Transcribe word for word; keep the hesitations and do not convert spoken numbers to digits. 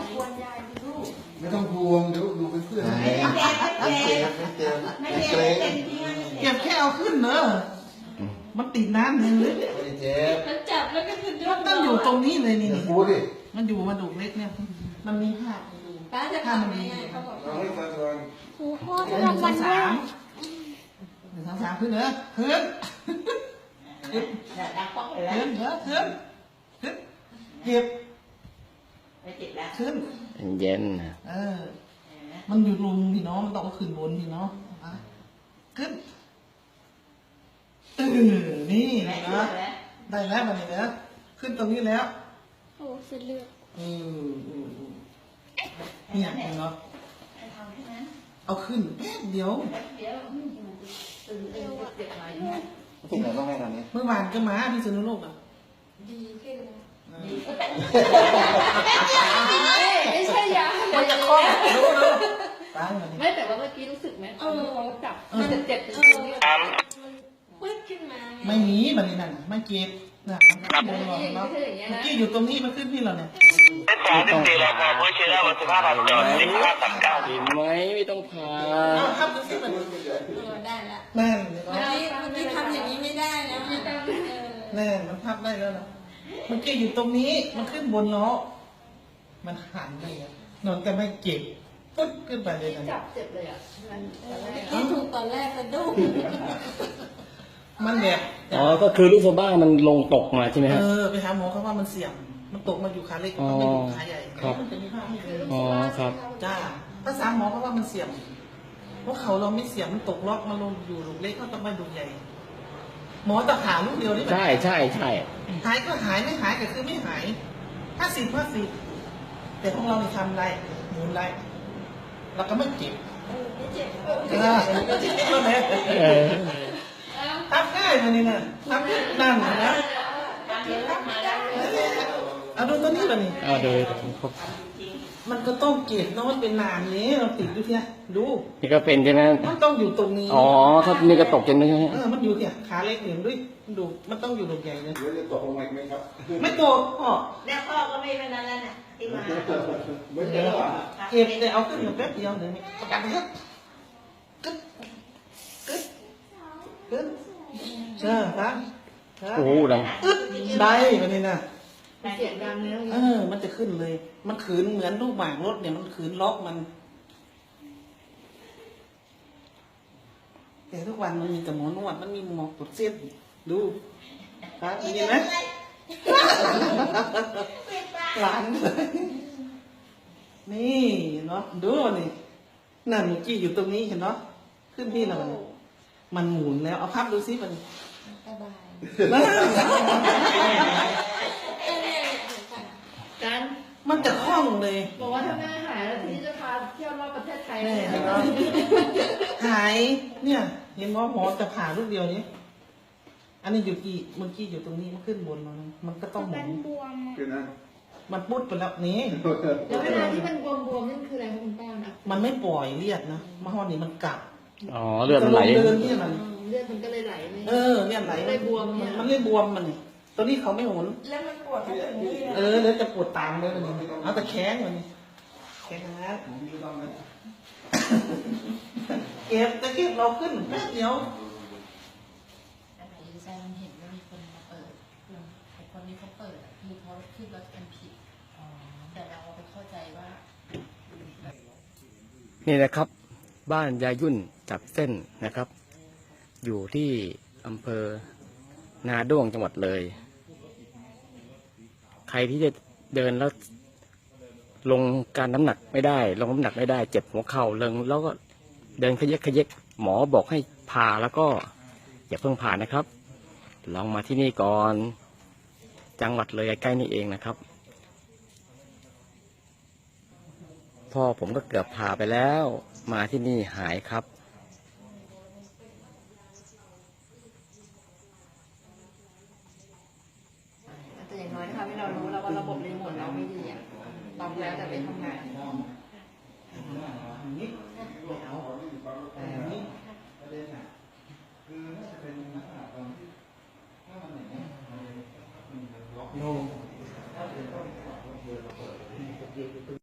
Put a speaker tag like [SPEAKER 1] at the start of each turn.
[SPEAKER 1] กวนยายลูก
[SPEAKER 2] ไม่ต้องพวงเดี๋ยวดูเป็นเพื่อนไม่เจ็บไม่เจ็บไม่เจ็บ
[SPEAKER 3] เก็บแค่เอาขึ้นเนอะมันติดน้ำนึงเลย
[SPEAKER 2] ไม่เจ็บ
[SPEAKER 1] มันจับแล้วก็คือ
[SPEAKER 3] มันต้องอยู่ตรงนี้เลยนี่นี่
[SPEAKER 2] พูดดิ
[SPEAKER 3] มันอยู่มาดูเล็กเนี่ยมันมีผ้า
[SPEAKER 1] ป้าจะทำยังไงเขาบอก
[SPEAKER 2] เราให้ฟังก่อน
[SPEAKER 4] ครูพ่อให้รางวัลด้วย
[SPEAKER 3] หนึ่งสองสามขึ้นเนอะขึ้นขึ้น
[SPEAKER 1] ดักป้องไปแล้ว
[SPEAKER 3] ขึ้นเนอะขึ้นขึ้นเก็บ
[SPEAKER 1] ไม่ติดแล้ว
[SPEAKER 3] ขึ้น
[SPEAKER 5] เย็น
[SPEAKER 3] เออมันอยู่ลุมพี่น้องมันต้องเอาขึ้นบนพี่น้องขึ้นเออนี่นะได้แล้วมันนี่นะขึ้นตรงนี้แล้ว
[SPEAKER 4] โอ้เสียเลือด
[SPEAKER 3] เออเนี่ยเห็นเนาะเอาขึ้นแป๊บเดียว
[SPEAKER 1] เดี๋ยวตื่นเต้นเจ็บหน่อย
[SPEAKER 2] ที่ไหนต้องให้ตอนนี้
[SPEAKER 3] เมื่อวานก็มาพี่สนุโลกอ่ะ
[SPEAKER 1] ดีขึ้นไม่ใช่ยา
[SPEAKER 3] มันจะคล้องรู้รู้ตายมัน
[SPEAKER 1] ไม่แต่ว่าเมื่อกี้รู้สึกไหมเออจับมันจะเจ็บตรงนี้ปึ๊ดขึ้นมา
[SPEAKER 3] ไม่มีมันนี่นั่นไม่เก็บนะมันขึ้นบนเราเนาะเมื่อกี้อยู่ตรงนี้มันขึ้นพี่เราเนี่ย
[SPEAKER 6] สามสิบสี่รายการผู้เชื่อวันที่ห้าพันจอดที่ห้าสามเก้า
[SPEAKER 5] เห็นไหมไม่ต้องพา
[SPEAKER 3] เอาครับดูสิมัน
[SPEAKER 1] ได้ละ
[SPEAKER 3] แน่นเลยเนาะ
[SPEAKER 1] เมื่อกี้ทำอย่างนี้ไม่ได้นะไม่ต้อง
[SPEAKER 3] แน่นมันพับได้แล้วนะเมื่อกี้อยู่ตรงนี้มันขึ้นบนเนาะมันหันไปอ่ะนอนแต่ไม่เก็บปุ๊บขึ้นไปเลยนะ
[SPEAKER 1] จับเจ็บเลยอ่ะมันที่ถูกตอนแรกกระดุ้ง
[SPEAKER 3] มันแบบ
[SPEAKER 5] อ๋อก็คือลูกสะบ้ามันลงตกมาใช่ไหมฮะ
[SPEAKER 3] เออไปหาหมอเขาว่ามันเสี่ยงมันตกมาอยู่ขาเล็กมันไม่อยู่ขาใหญ่มันจะมีภาพให้ดู
[SPEAKER 5] อ๋อครับ
[SPEAKER 3] จ้าภาษาหมอเขาว่ามันเสี่ยงเพราะเขาเราไม่เสี่ยงมันตกล็อกมาลงอยู่ลูกเล็กเขาต้องมาดูใหญ่ หมอตะขาลูกเดียวนี่
[SPEAKER 5] ใช่ใช่ใช่
[SPEAKER 3] หายก็หายไม่หายก็คือไม่หายห้าสิบห้าสิบแต่ของเราเนี่ยทำไรหมุนไรเราก็ไม่เจ็บ
[SPEAKER 1] ไม่เจ็บ
[SPEAKER 3] เออก็เจ็บแล้วเนี่ย
[SPEAKER 5] เออ
[SPEAKER 3] ทำง่ายมันนี่นะทำนั่นนะ
[SPEAKER 1] มาแล้ว
[SPEAKER 3] เอาดูตัวนี้ป่ะนี่
[SPEAKER 5] เอาโดยครบ
[SPEAKER 3] มันก็ต้องเก็บเนาะมันเป็นนานนี้เราติดดูเนี่ยดู
[SPEAKER 5] นี่ก็เป็นใช่ไหม
[SPEAKER 3] มันต้องอยู่ตรงนี้
[SPEAKER 5] อ๋อถ้านี่ก็ตกจนใช่ไหม
[SPEAKER 3] เออมันอยู่เนี่ยขาเล็กเหลี่ยมด้วยดูมันต้องอยู่ตรงใหญ่เลย
[SPEAKER 2] เดี๋ยวจะตกลงมาไหมครับ
[SPEAKER 3] ไม่โตพ่อ
[SPEAKER 1] แล้วพ่อก็ไม่เป็นนั้นแล้วน่ะที่มา
[SPEAKER 2] ไม่เจ็บหรอ
[SPEAKER 3] เก็บแต่เอาขึ้นมาแป๊บเดียวเดี๋ยวนี้ประกันไปครับกึ๊บกึ๊บกึ๊บเออครับครับ
[SPEAKER 5] โอ้โหดัง
[SPEAKER 3] อึ๊บได้มันนี่นะ
[SPEAKER 1] เสียงดังเนื้อ
[SPEAKER 3] เออ มันจะขึ้นเลย มันขืนเหมือนลูกหมากรถเนี่ยมันขืนล็อกมัน แต่ทุกวันมันมีแต่หมอนวดมันมีหมอกดเส้นดูครับมีไหมหลานเลยนี่เนาะดูนี่นั่นเมื่อกี้อยู่ตรงนี้เห็นเนาะขึ้นที่เราเนี่ยมันหมุนแล้วเอาพับดูซิมัน
[SPEAKER 1] สบาย
[SPEAKER 3] นั่น
[SPEAKER 1] กัน
[SPEAKER 3] มันจะคล่องเลย
[SPEAKER 1] บอกว่าถ้าแม่หายแล้วทีนี้จะพาเที่ยวรอบประเทศไทยเล
[SPEAKER 3] แน่
[SPEAKER 1] ย
[SPEAKER 3] เนาะหายเนี่ย เห็นว่าหมอจะผ่าลูกเดียวนี้อันนี้อยู่กี่เมื่อกี้อยู่ตรงนี้มันขึ้นบนแล้วนะมันก็ต้องหมุ
[SPEAKER 4] เป็น
[SPEAKER 3] น
[SPEAKER 4] บวมอะ
[SPEAKER 2] คือนะ
[SPEAKER 3] มันปุดไปแล้วนี่
[SPEAKER 1] แล้วเวลาที่มันบวมๆนั่นคืออะไรคะคุณป้านะ
[SPEAKER 3] มันไม่ปล่อยเลือดนะมาห้อนี้มันกลับ
[SPEAKER 5] อ๋อเลือดมันไหล
[SPEAKER 3] เดินเนี่ยมัน
[SPEAKER 1] เลือดมันก็เลยไหลไม่
[SPEAKER 3] เออเนี่ยไหล
[SPEAKER 1] เลยบวม
[SPEAKER 3] มั
[SPEAKER 1] เนี่
[SPEAKER 3] น
[SPEAKER 1] ย
[SPEAKER 3] มันเลยบวมมันนี่ตัวนี้เขาไม่หมุน
[SPEAKER 1] แล้วมันปวดทั้งถึงนี่
[SPEAKER 3] เออแล้วจะปวดตามเลยมันนี่เอาแต่แข้งมันนี่แข้งนะ
[SPEAKER 2] ผมมีต้องไหม
[SPEAKER 3] เก็บแต่เก็บเราขึ้นแป๊บเดียว
[SPEAKER 7] ดีไซน์มันเห็นว่ามีคนมาเปิดไอ้คนนี้เขาเปิดอะคือเขาคิดว่าเป็นผิดแต่เราไปเข้าใจว่า
[SPEAKER 5] นี่นะครับ บ้านยายุ่นจับเส้นนะครับ อยู่ที่อำเภอนาด้วงจังหวัดเลย ใครที่จะเดินแล้ว ลงการน้ำหนักไม่ได้ ลงน้ำหนักไม่ได้ เจ็บหัวเข่าเริงแล้วก็เดินขยกขยกหมอบอกให้ผ่าแล้วก็อย่าเพิ่งผ่านะครับ ลองมาที่นี่ก่อน จังหวัดเลยใกล้ๆนี่เองนะครับพ่อผมก็เกือบผ่าไปแล้ว มาที่นี่หายครับ
[SPEAKER 1] แต่อย่างน้อยนะคะให้เรารู้แล้วว่าระบบรีโมทเราไม่ดีอ่ะตอบแล้วแต่ไม่ทำงาน
[SPEAKER 3] อย่างนี้ไม่เอาแต่อย่างนี้ประเด็นอ่ะคือน่าจะเป็นลักษณะตอนที่ถ้ามันอย่างนี้มันล็อกโน